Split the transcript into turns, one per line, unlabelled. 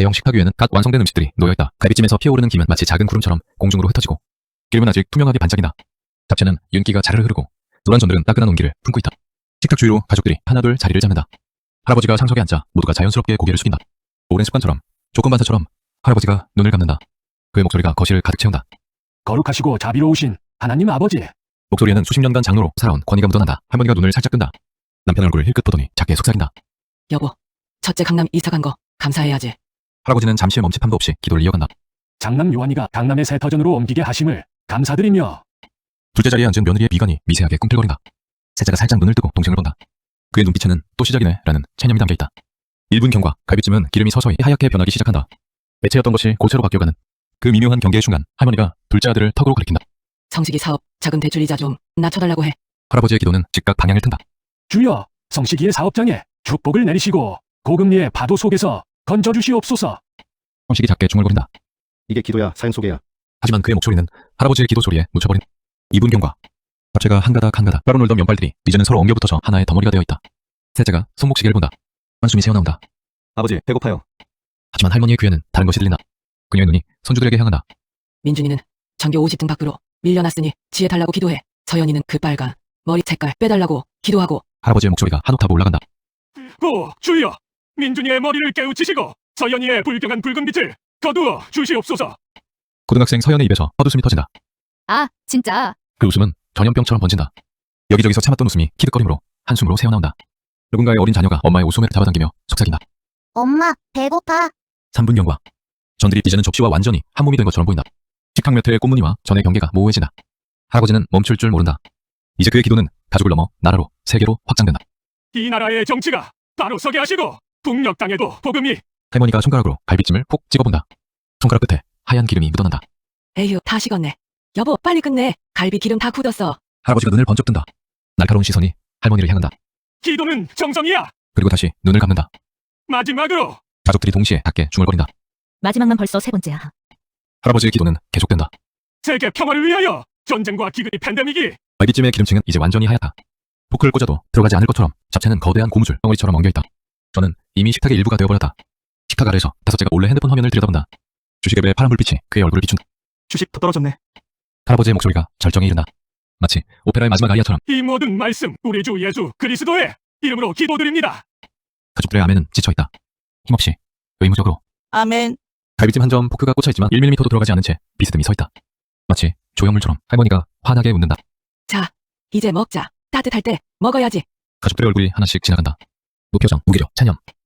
대형 식탁 위에는 갓 완성된 음식들이 놓여있다. 갈비찜에서 피어오르는 김은 마치 작은 구름처럼 공중으로 흩어지고 기름은 아직 투명하게 반짝인다. 잡채는 윤기가 자르르 흐르고 노란 전들은 따끈한 온기를 품고 있다. 식탁 주위로 가족들이 하나둘 자리를 잡는다. 할아버지가 상석에 앉자 모두가 자연스럽게 고개를 숙인다. 오랜 습관처럼 조건반사처럼 할아버지가 눈을 감는다. 그의 목소리가 거실을 가득 채운다.
거룩하시고 자비로우신 하나님 아버지.
목소리에는 수십 년간 장로로 살아온 권위가 묻어난다. 할머니가 눈을 살짝 뜬다. 남편 얼굴을 힐끗 보더니 작게 속삭인다.
여보, 첫째 강남 이사 간 거 감사해야지.
할아버지는 잠시 멈칫함도 없이 기도를 이어간다.
장남 요한이가 강남의 새 터전으로 옮기게 하심을 감사드리며.
둘째 자리에 앉은 며느리의 미간이 미세하게 꿈틀거린다. 셋째가 살짝 눈을 뜨고 동생을 본다. 그의 눈빛에는 또 시작이네 라는 체념이 담겨있다. 1분 경과, 갈비찜은 기름이 서서히 하얗게 변하기 시작한다. 매체였던 것이 고체로 바뀌어가는 그 미묘한 경계의 순간 할머니가 둘째 아들을 턱으로 가리킨다.
성식이 사업 작은 대출 이자 좀 낮춰달라고 해.
할아버지의 기도는 즉각 방향을 튼다.
주여, 성식이의 사업장에 축복을 내리시고 고금리의 파도 속에서 건져주시옵소서.
성식이 작게 중얼거린다.
이게 기도야, 사연 소개야.
하지만 그의 목소리는 할아버지의 기도 소리에 묻혀버린 2분 경과. 잡채가 한 가닥 한 가닥 따로 놀던 면발들이 이제는 서로 엉겨붙어서 하나의 덩어리가 되어 있다. 셋째가 손목시계를 본다. 한숨이 새어나온다.
아버지, 배고파요.
하지만 할머니의 귀에는 다른 것이 들린다. 그녀의 눈이 손주들에게 향한다.
민준이는 전교 50등 밖으로 밀려났으니 지혜 달라고 기도해. 서연이는 그 빨간 머리 색깔 빼달라고 기도하고.
할아버지의 목소리가 한 옥타브 올라간다.
오, 주여, 민준이의 머리를 깨우치시고 서연이의 불경한 붉은 빛을 거두어 주시옵소서.
고등학생 서연의 입에서 헛웃음이 터진다.
아, 진짜.
그 웃음은 전염병처럼 번진다. 여기저기서 참았던 웃음이 키득거림으로 한숨으로 새어나온다. 누군가의 어린 자녀가 엄마의 옷소매를 잡아당기며 속삭인다.
엄마, 배고파.
3분 경과. 전들이 이제는 접시와 완전히 한 몸이 된 것처럼 보인다. 식탁 몇 회의 꽃무늬와 전의 경계가 모호해진다. 할아버지는 멈출 줄 모른다. 이제 그의 기도는 가족을 넘어 나라로, 세계로 확장된다.
이 나라의 정치가 바로 서게 하시고 북녘 땅에도 복음이.
할머니가 손가락으로 갈비찜을 푹 찍어본다. 손가락 끝에 하얀 기름이 묻어난다.
에휴, 다 식었네. 여보, 빨리 끝내. 갈비 기름 다 굳었어.
할아버지가 눈을 번쩍 뜬다. 날카로운 시선이 할머니를 향한다.
기도는 정성이야.
그리고 다시 눈을 감는다.
마지막으로
가족들이 동시에 작게 중얼거린다.
마지막만 벌써 세 번째야.
할아버지의 기도는 계속된다.
세계 평화를 위하여 전쟁과 기근이 팬데믹이.
갈비찜의 기름층은 이제 완전히 하얗다. 포크를 꽂아도 들어가지 않을 것처럼 잡채는 거대한 고무줄 덩어리처럼 엉겨있다. 저는 이미 식탁의 일부가 되어버렸다. 식탁 아래에서 다섯째가 몰래 핸드폰 화면을 들여다본다. 주식앱의 파란 불빛이 그의 얼굴을 비춘다.
주식 더 떨어졌네.
할아버지의 목소리가 절정에 이른다. 마치 오페라의 마지막 아리아처럼.
이 모든 말씀 우리 주 예수 그리스도의 이름으로 기도드립니다.
가족들의 아멘은 지쳐있다. 힘없이 의무적으로.
아멘.
갈비찜 한 점 포크가 꽂혀있지만 1mm도 들어가지 않은 채 비스듬히 서있다. 마치 조형물처럼. 할머니가 환하게 웃는다.
자, 이제 먹자. 따뜻할 때 먹어야지.
가족들의 얼굴이 하나씩 지나간다. 무표정, 무기력, 체념.